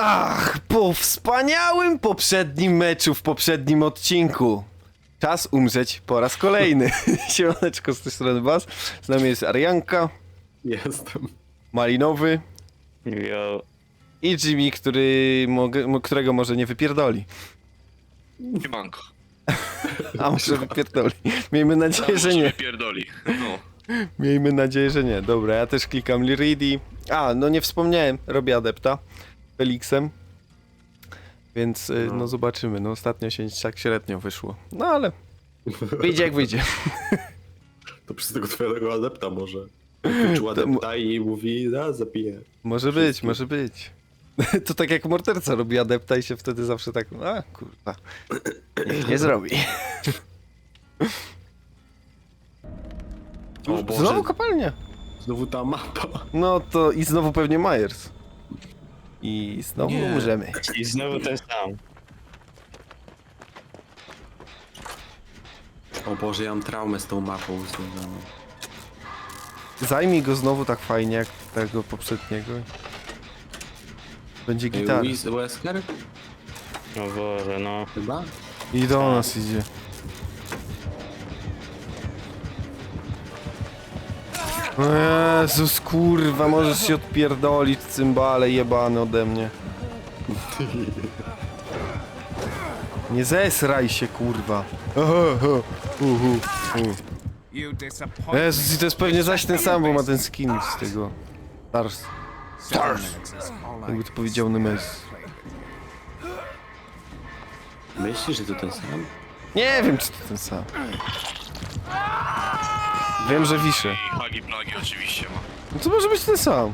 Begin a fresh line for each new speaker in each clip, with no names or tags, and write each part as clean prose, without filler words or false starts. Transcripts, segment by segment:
Ach, po wspaniałym poprzednim meczu w poprzednim odcinku. Czas umrzeć po raz kolejny. Siemaneczko, z tej strony Bas. Z nami jest Arianka,
Jestem.
Malinowy
Jo.
i Jimmy, którego może nie wypierdoli.
Siemanko.
A może wypierdoli. Miejmy nadzieję, że nie.
Pierdoli. No.
Miejmy nadzieję, że nie. Dobra, ja też klikam Liridi. A, no nie wspomniałem, robię adepta Felixem. Więc no zobaczymy. No ostatnio się tak średnio wyszło. No ale wyjdzie jak wyjdzie.
To przez tego twojego adepta może. Wyczuł adepta i mówi, zabiję.
Może być, może być. To tak jak morderca robi adepta i się wtedy zawsze tak, a kurwa, niech nie zrobi.
O Boże,
Znowu kopalnia.
znowu ta mapa.
No to i znowu pewnie Myers. I znowu
Nie.
umrzemy.
I znowu ten sam.
O Boże, ja mam traumę z tą mapą związaną.
Zajmij go znowu tak fajnie jak tego poprzedniego. Będzie gitara.
Wesker?
O Boże, no.
Chyba?
I do nas idzie. O Jezus, kurwa, możesz się odpierdolić, cymbale jebany ode mnie. Nie zesraj się, kurwa. Jezus, i to jest pewnie zaś ten sam, bo ma ten skin z tego. Stars. Jakby to powiedział Nemes.
Myślisz, że to ten sam?
Nie wiem, czy to ten sam. Wiem, że wiszę.
I hagi plagi oczywiście ma.
No to może być ten sam.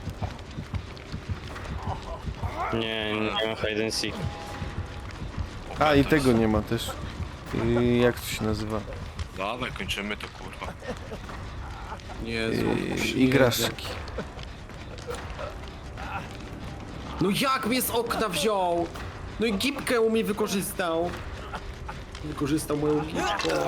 Nie ma hide and seek.
A, i tego nie ma też. Jak to się nazywa?
Dawaj, kończymy to kurwa.
Jezu.
Igraszki.
No jak mnie z okna wziął? No i gipkę u mnie wykorzystał. Wykorzystał moją gipkę.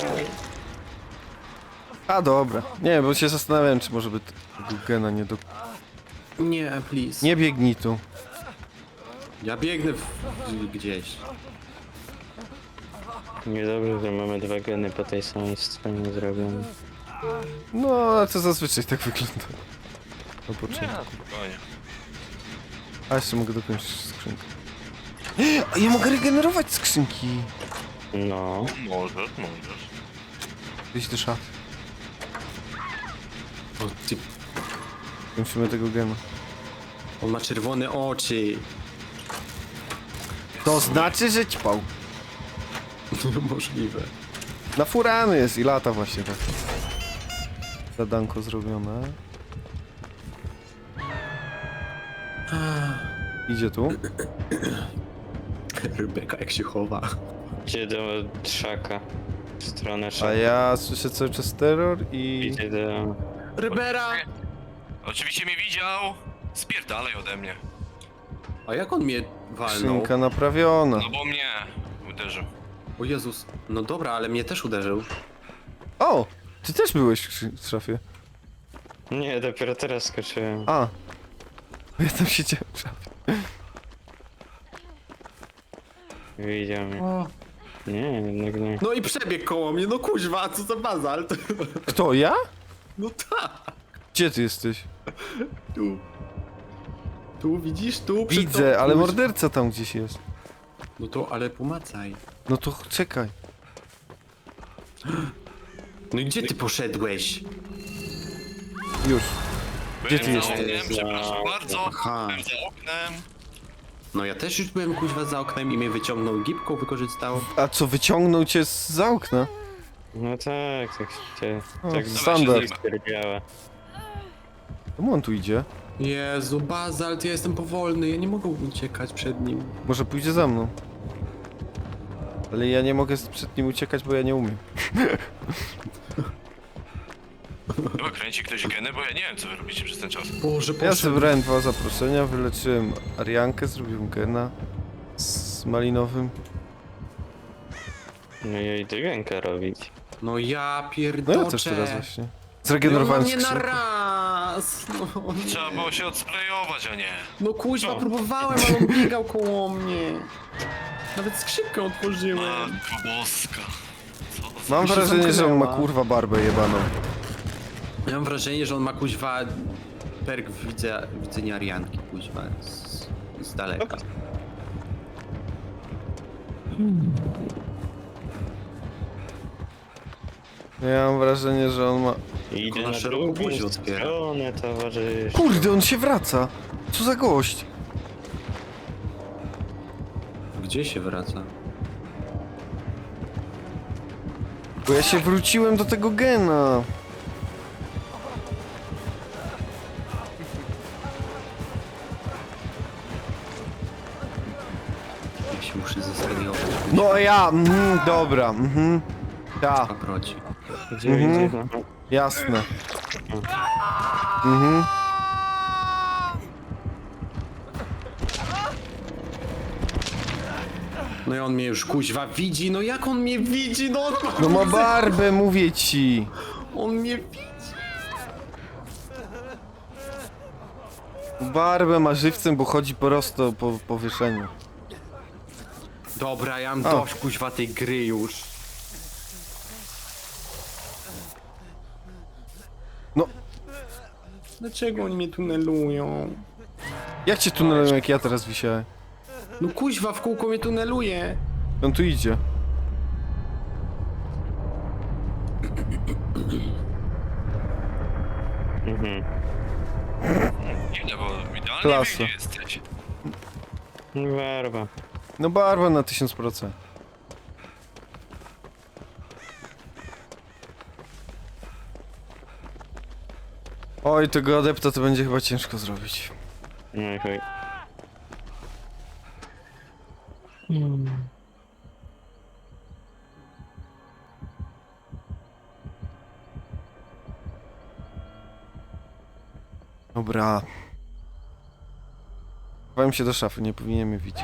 A, dobra. Nie, bo się zastanawiałem, czy może by tego gena nie do...
Nie, please.
Nie biegnij tu.
Ja biegnę gdzieś.
Niedobrze, że mamy dwa geny po tej samej stronie zrobione.
No, ale to zazwyczaj tak wygląda. Na początku.
Spokojnie.
A jeszcze mogę dokończyć skrzynkę. A ja mogę regenerować skrzynki.
No.
Możesz.
Wyjść do szafy.
O, ty,
Kończymy tego gena.
on ma czerwone oczy.
To znaczy, że ćpał.
Możliwe.
Na furany jest i lata właśnie tak. Zadanko zrobione. Idzie tu.
Rebeka jak się chowa.
Idzie do trzaka. W stronę
A
szaka.
ja słyszę cały czas terror i...
Idzie do...
Rybera!
Oczywiście mnie widział. Spierdalaj ode mnie.
A jak on mnie walnął?
Skrzynka naprawiona.
No bo mnie uderzył.
O Jezus. No dobra, ale mnie też uderzył.
O! Ty też byłeś w szafie.
Nie, dopiero teraz skoczyłem.
A! Ja tam siedziałem w szafie.
Widział mnie.
O.
Nie, jednak nie.
No i przebiegł koło mnie, no kuźwa, co za bazalt.
Kto, ja?
No tak.
Gdzie ty jesteś?
Tu. Tu, widzisz? Tu przed
Widzę,
tą-
ale
kuźwa.
morderca tam gdzieś jest.
No to, ale pomacaj.
No to czekaj.
No i gdzie ty poszedłeś?
Już. Gdzie ty
Byłem za
jesteś?
oknem, przepraszam bardzo.
Aha.
Byłem za oknem.
No ja też już byłem kuźwa za oknem i mnie wyciągnął gipką, wykorzystał.
A co, wyciągnął cię za okna?
No tak, tak się...
O,
Tak
standard.
stwierdziała.
Czemu on tu idzie?
Jezu, bazalt, ja jestem powolny, ja nie mogę uciekać przed nim.
Może pójdzie za mną. Ale ja nie mogę przed nim uciekać, bo ja nie umiem.
Chyba kręci ktoś geny, bo ja nie wiem co wy robicie przez ten czas.
Boże,
Ja
poszedł.
zebrałem 2 zaproszenia, wyleczyłem Ariankę, zrobiłem gena z malinowym.
No i idę rękę robić.
No ja
No
pierdolę.
ja też teraz właśnie. Zregenerowałem
mnie na
skrzynkę.
raz. raz. No, nie.
Trzeba było się odsprejować, a nie.
No kuźwa,
No.
próbowałem, ale on biegał koło mnie. Nawet skrzynkę otworzyłem.
Matko boska. Co za...
Mam
się
wrażenie, że on ma
zamknęła.
kurwa barbę jebaną.
Ja mam wrażenie, że on ma kuźwa perk widzenia Arianki, kuźwa, z daleka.
Ja mam wrażenie, że on ma...
Idzie
na
na
szeroką
drugą
buzię otwiera.
stronę, towarzysz.
Kurde, on się wraca! Co za gość?
Gdzie się wraca?
Bo ja się wróciłem do tego gena.
Ja się muszę zesperiować.
No a ja, dobra, ja,
Paproci.
Gdzie idzie? No.
jasne.
No i on mnie już kuźwa widzi, no jak on mnie widzi, no on ma,
No ma barbę, mówię ci.
on mnie widzi.
Barbę ma żywcem, bo chodzi prosto po powieszeniu.
Dobra, ja mam
O.
dość kuźwa tej gry już.
No,
Dlaczego oni mnie tunelują?
jak cię tunelują, jak ja teraz wisiałem?
No kuźwa, w kółko mnie tuneluje.
On tu idzie.
Mhm.
Nie, bo idealnie
Klasa.
biegnie jesteś.
Barwa.
No barwa na 1000%. Oj, tego adepta to będzie chyba ciężko zrobić.
No i chuj.
Dobra. Chowałem się do szafy, nie powinien mnie widzieć.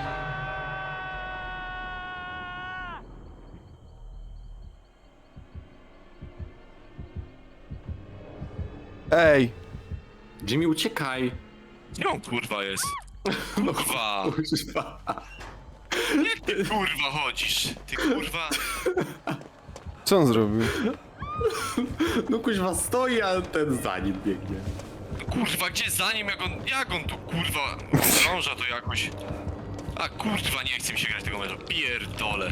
Ej!
Jimmy, uciekaj.
Gdzie on kurwa jest? Kurwa.
Kuźwa.
Jak ty kurwa chodzisz? Ty kurwa.
Co on zrobił?
No kuźwa stoi, a ten za nim biegnie.
Kurwa, gdzie za nim, jak on tu kurwa krąża to jakoś. A kurwa, nie chce mi się grać tego meczu. Pierdolę.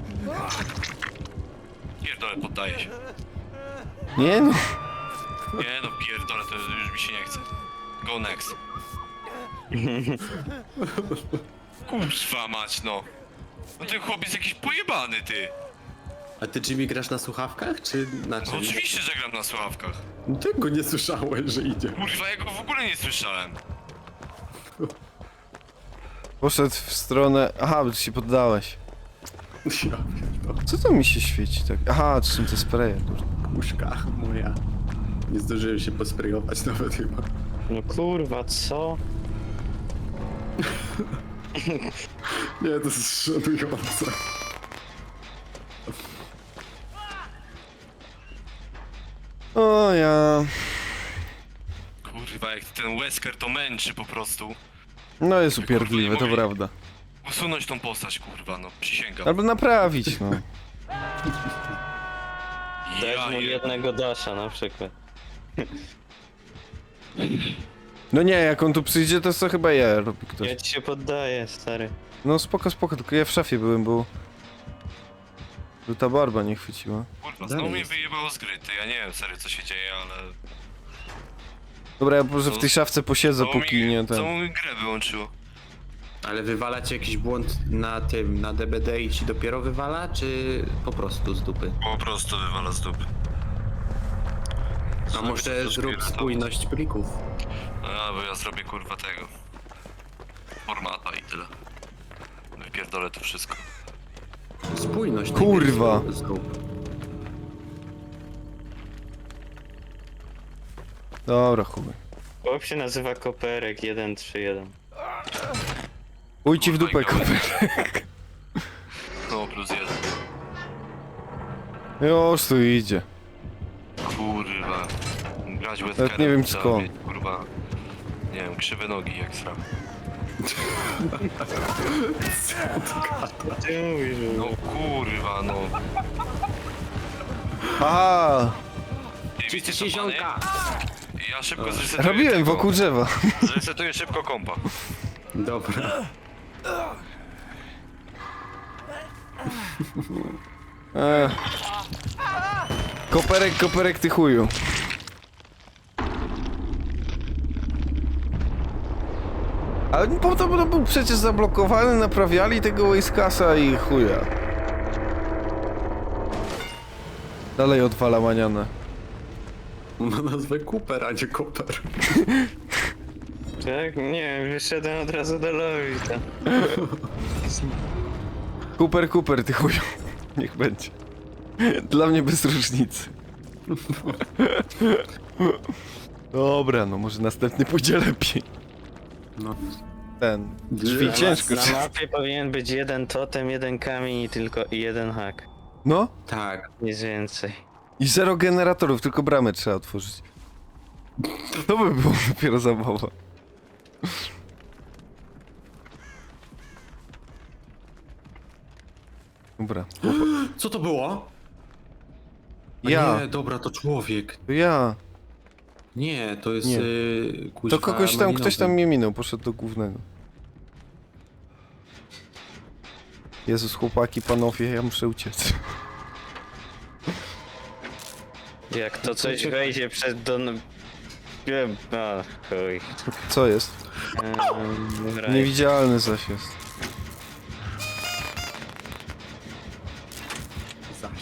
Pierdolę, poddaję się.
Nie no.
Nie no, pierdolę, to już mi się nie chce. Go next. Kurwa mać, no. No ten chłopiec jakiś pojebany, ty.
A ty Jimmy grasz na słuchawkach, czy na
No
czym?
oczywiście, że gram na słuchawkach.
No tego nie słyszałeś, że idzie.
Kurwa, ja go w ogóle nie słyszałem.
Poszedł w stronę... Aha, bo ty się poddałeś.
Ja pierdolę.
Co to mi się świeci tak? Aha, to są te spreje, kurde.
Puszka moja. Nie zdążyłem się posprejować nawet chyba.
No kurwa, co?
Nie, to jest szanujące.
O ja...
Kurwa, jak ten Wesker to męczy po prostu.
No jest upierdliwe, to
Kurwa, nie
prawda.
Usunąć tą postać, kurwa, no, przysięgam.
Albo naprawić, no.
Dać
Ja
mu
je...
jednego dasha na przykład.
No nie, jak on tu przyjdzie, to co chyba ja robi ktoś.
Ja ci się poddaję, stary.
No spoko, spoko, tylko ja w szafie byłem, bo... Bo ta barba nie chwyciła.
Kurwa,
Dalej
znowu mnie
jest.
wyjebało z gry, ty. Ja nie wiem serio co się dzieje, ale...
Dobra, ja może w tej szafce posiedzę,
Znowu
póki nie
Znowu
ten...
mi grę wyłączyło.
Ale wywala ci jakiś błąd na tym, na DBD i ci dopiero wywala, czy po prostu z dupy?
Po prostu wywala z dupy.
A może zrób spójność plików?
A, bo ja zrobię kurwa tego. Formata i tyle. Wypierdolę to wszystko.
Spójność.
Kurwa.
najpierw zrób.
Dobra, chuj.
Chłop się nazywa Koperek 131.
Uj ci w dupę,
Kurwa,
koper.
No, plus jeden.
Już tu idzie.
Kurwa. grać bez
Nawet nie wiem skąd.
Kurwa, nie wiem, krzywe nogi jak sram.
Ty mówisz, że...
No kurwa, no.
Aha!
Ty, wiecie
Czyście
co, panie?
ziomka!
Ja szybko zresetuję
Robiłem
tego.
wokół drzewa.
Zresetuję szybko kompa.
Dobra.
Koperek, ty chuju. Ale po to był przecież zablokowany, naprawiali tego Wastecasa i chuja. Dalej odwala manianę.
Ma nazwę Cooper, a nie Cooper.
Tak? Nie, wyszedłem od razu do Lowita.
Cooper, ty chuju. Niech będzie. Dla mnie bez różnicy. Dobra, no może następny pójdzie lepiej.
No.
Ten. Drzwi ciężko.
Na mapie powinien być jeden totem, jeden kamień i jeden hak.
No.
Tak.
Nic więcej.
I 0 generatorów, tylko bramę trzeba otworzyć. To by było dopiero zabawa. Dobra.
Co to było? A
Ja.
Nie, dobra, to człowiek.
To ja.
Nie, to jest
Nie.
kuźwa
To ktoś
malinowy.
tam mnie minął, poszedł do głównego. Jezus, chłopaki, panowie, ja muszę uciec.
Jak to coś wejdzie przed don... Wiem, a chuj.
Co jest?
Right.
Niewidzialny zaś jest.
Zaś.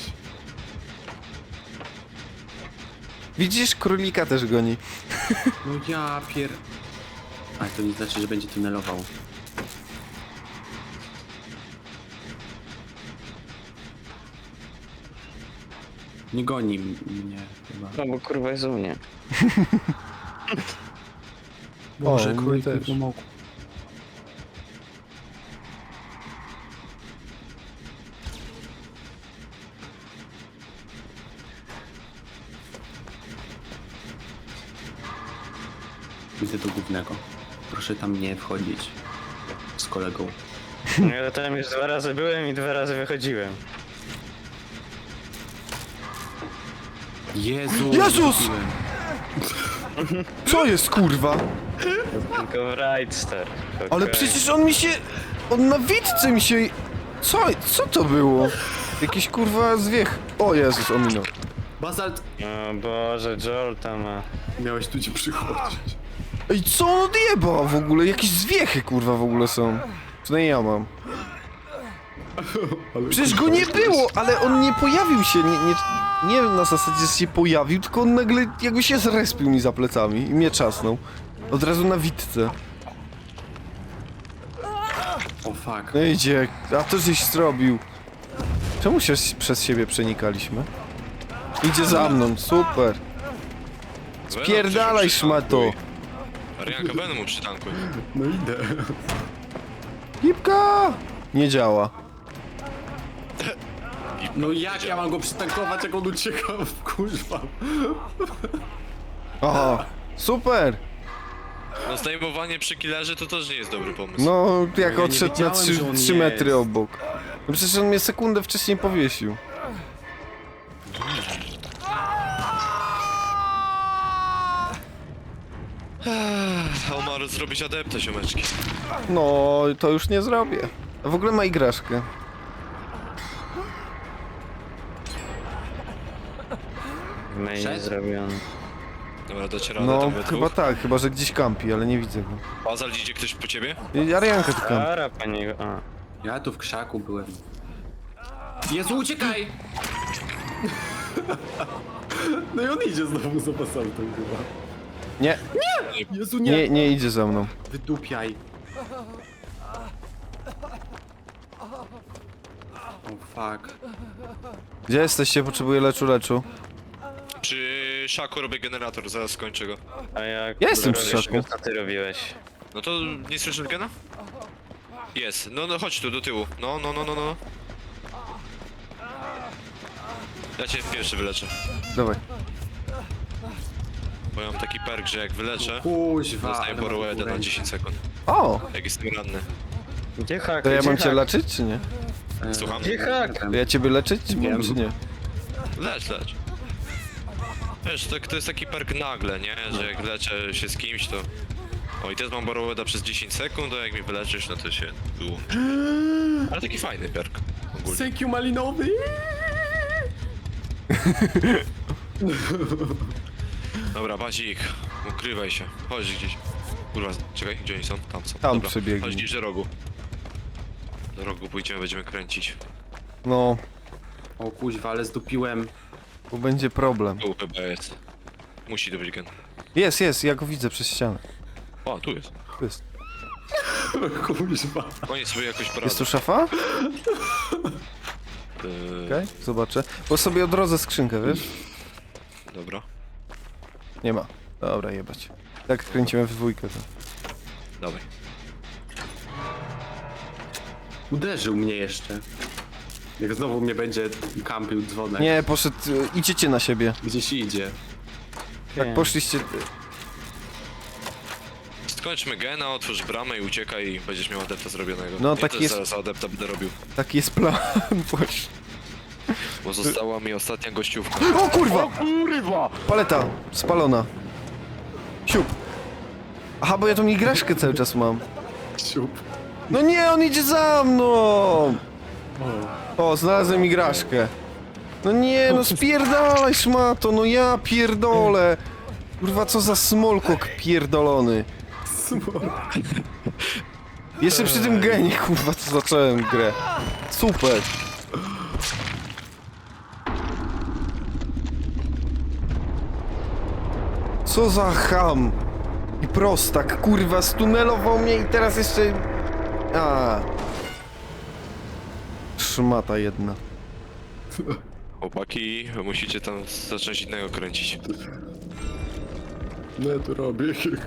Widzisz, królika też goni.
No ja pier... Ale to nie znaczy, że będzie tunelował. Nie goni mnie chyba.
No bo kurwa jest u mnie.
Boże,
mnie
królik mi
też.
pomogł. Idę do głównego. Proszę tam nie wchodzić. Z kolegą.
Ja tam już 2 razy byłem i 2 razy wychodziłem.
Jezu!
Jezus!
wróciłem.
Co jest, kurwa?
Tylko w Right Star.
Ale
Okej.
przecież on mi się... On na witce mi się... Co to było? Jakiś kurwa zwiech. O Jezus, ominął.
Bazalt!
O Boże, Joel tam ma...
Miałeś tu ci przychodzić.
Ej, co on odjebał w ogóle? Jakieś zwiechy kurwa w ogóle są. Przynajmniej ja mam. Przecież go nie było, ale on nie pojawił się, nie na zasadzie, że się pojawił, tylko on nagle jakby się zrespił mi za plecami i mnie czasnął. Od razu na witce.
O fuck.
No idzie, a to żeś zrobił. Czemu się przez siebie przenikaliśmy? Idzie za mną, super. Spierdalaj, szmato.
Arianka, będę mu przytankuj.
No idę.
Lipka! Nie działa.
No jak ja mam go przytankować, jak on ucieka w kuźwa?
Aha, super.
No zdejmowanie przy killerze to też nie jest dobry pomysł.
No, jak
Ja nie
odszedł na
wiedziałem, że on
3 metry
jest.
obok. No przecież on mnie sekundę wcześniej powiesił.
Omar, zrobić adeptę, ziomeczki.
No, to już nie zrobię. A w ogóle ma igraszkę.
W mainie
Szedł?
zrobiony.
Dobra, docieramy
No,
tam we
chyba
dwóch.
tak, chyba że gdzieś kampi, ale nie widzę go.
Bazal, idzie ktoś po ciebie?
I Arianka tu kampi.
Ara, pani... A.
Ja tu w krzaku byłem. Jezu, uciekaj! No i on idzie znowu za basaltem chyba.
Nie,
Jezu,
nie idzie za mną.
Wydupiaj. O fuck.
Gdzie jesteście? Potrzebuję leczu.
Przy szaku robię generator, zaraz skończę go.
A jak...
Ja jestem przy
robisz
szoku.
go, co ty robiłeś?
No to nie słyszysz gena? Jest, no chodź tu, do tyłu. No. Ja cię pierwszy wyleczę.
Dawaj.
Bo ja mam taki perk, że jak wyleczę,
Kuźwa,
dostaję
ale ma
borroweda na
konkurencję.
10 sekund.
O!
Jak jestem ranny.
Gdzie hak?
To ja
Gdzie
mam cię
hak?
leczyć, czy nie?
Słucham?
Gdzie hak?
To ja ciebie leczyć, czy
Wiem.
mam, czy nie?
Lecz. Wiesz, to jest taki perk nagle, nie? Że jak leczę się z kimś, to... O, i teraz mam borroweda przez 10 sekund, a jak mi wyleczysz, no to się wyłączy. Ale taki fajny perk. Ogólnie.
Thank you, malinowy!
Dobra, Bazik, ukrywaj się. Chodź gdzieś. Kurwa, czekaj, gdzie oni są? Tam są.
Tam
Dobra,
przebiegnij.
chodź gdzieś do rogu. Do rogu pójdziemy, będziemy kręcić.
No,
O kuźwa, ale zdupiłem.
bo będzie problem.
Tu chyba jest. Musi to być gen.
Jest, ja go widzę przez ścianę.
O, tu jest.
Tu jest.
Kuźwa.
Oni sobie jakoś poradzą.
Jest tu szafa? Okej, zobaczę. Bo sobie odrodzę skrzynkę, wiesz?
Dobra,
Nie ma. Dobra, jebać. Tak kręcimy w dwójkę to.
dawaj.
Uderzył mnie jeszcze. Jak znowu mnie będzie kampił dzwonek.
Nie, poszedł... Idziecie na siebie.
Gdzieś idzie.
Tak poszliście...
Skończmy gena, otwórz bramę i uciekaj i będziesz miał adepta zrobionego.
No,
Ja
tak
też
jest.
zaraz adepta będę robił.
Taki jest plan. Boże.
Bo została mi ostatnia gościówka.
O kurwa! Paleta spalona. Siup. Aha, bo ja tą igraszkę cały czas mam.
Siup.
No nie, on idzie za mną! O, znalazłem igraszkę. No nie, no spierdalaj szmato, no ja pierdolę. Kurwa, co za smolkok pierdolony. Jeszcze przy tym genie, kurwa, co zacząłem grę. Super. Co za ham. I prostak, kurwa, stunelował mnie i teraz jeszcze... A. Szmata jedna.
Chłopaki, wy musicie tam zacząć innego kręcić.
No ja tu robię jakiegoś.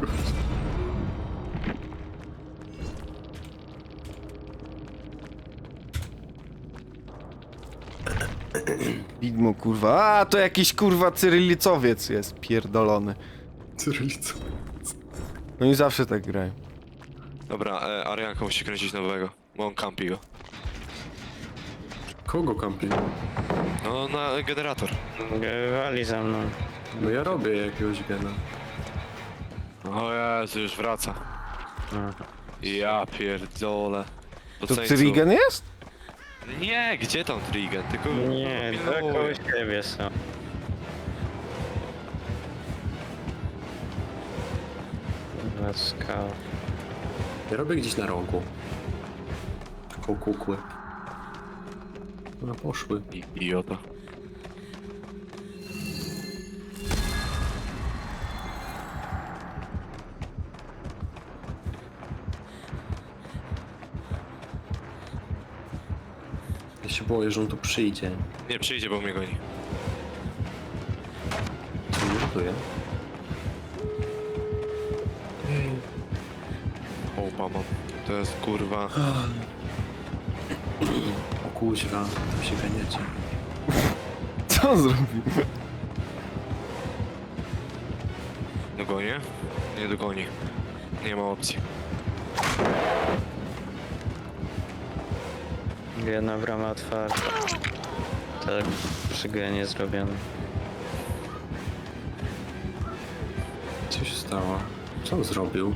Widmo, kurwa. A, to jakiś, kurwa, cyrylicowiec jest pierdolony.
Cyrylico.
No i zawsze tak grają.
Dobra, Arianka musi kręcić nowego, bo on kampi go.
Kogo kampi?
No, na generator.
Wali za mną.
No ja robię jakiegoś gena.
O Jezu, już wraca. Ja pierdolę.
To
Ceńcu.
Cyrigen jest?
Nie, gdzie tam Trigen? Tylko...
Nie, to
pilnuję.
koło siebie są. Dwa skały.
Ja robię gdzieś na rogu. Koło kukły. No poszły.
Idiota.
Ja się boję, że on tu przyjdzie.
Nie przyjdzie, bo mnie goni.
Co mnie ratuje?
O, mam. To jest kurwa.
O kuźwa, tam się ganiecie.
Co on zrobił?
Dogonię? Nie dogoni. Nie ma opcji.
Jedna brama otwarta. Tak, przy genie zrobione.
Co się stało? Co on zrobił?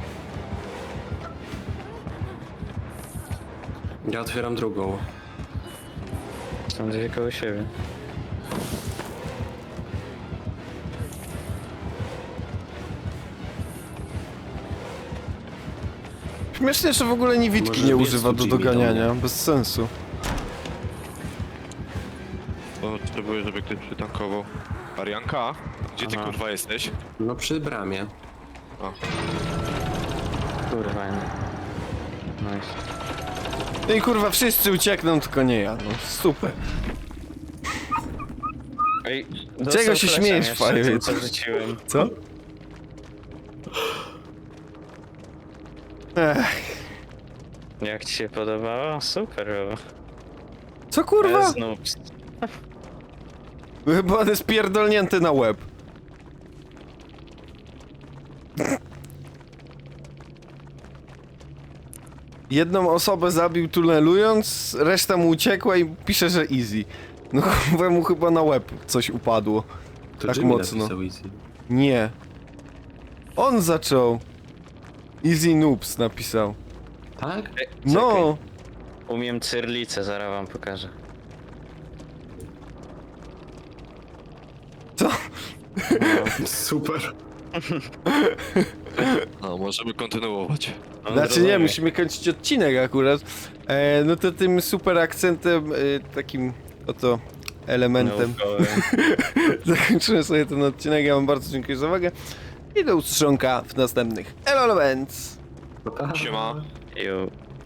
Ja otwieram drugą.
Są dwie koło siebie.
Śmiesznie, że w ogóle niewidki
Może
nie
jest
używa
tu
do
Jimmy
doganiania.
do mnie.
Bez sensu.
Potrzebuję, żeby ktoś przytankował. Arianka? Gdzie ty
Aha.
kurwa jesteś?
No przy bramie.
O,
Kurwa, nie. Nice.
No i kurwa, wszyscy uciekną, tylko nie ja. No super.
Ej,
Czego się śmiejesz, Fajowiec?
Co rzuciłem?
Co? Ech.
Jak ci się podobało? Super, bo...
Co kurwa?
Znów.
Chyba on jest pierdolnięty na łeb. jedną osobę zabił tunelując, reszta mu uciekła i pisze, że easy. No chyba mu chyba na łeb coś upadło.
To
Tak
Jimmy
mocno.
napisał easy.
Nie. On zaczął. Easy Noobs napisał.
Tak?
No.
Umiem cyrlicę, zaraz wam pokażę.
Co?
Super.
No, możemy kontynuować.
On
Znaczy nie,
rozumie.
musimy kończyć odcinek akurat. No to tym super akcentem, takim oto elementem
Naukowym.
zakończymy sobie ten odcinek. Ja wam bardzo dziękuję za uwagę i do ustrzonka w następnych Elements.
Siema.
Ju.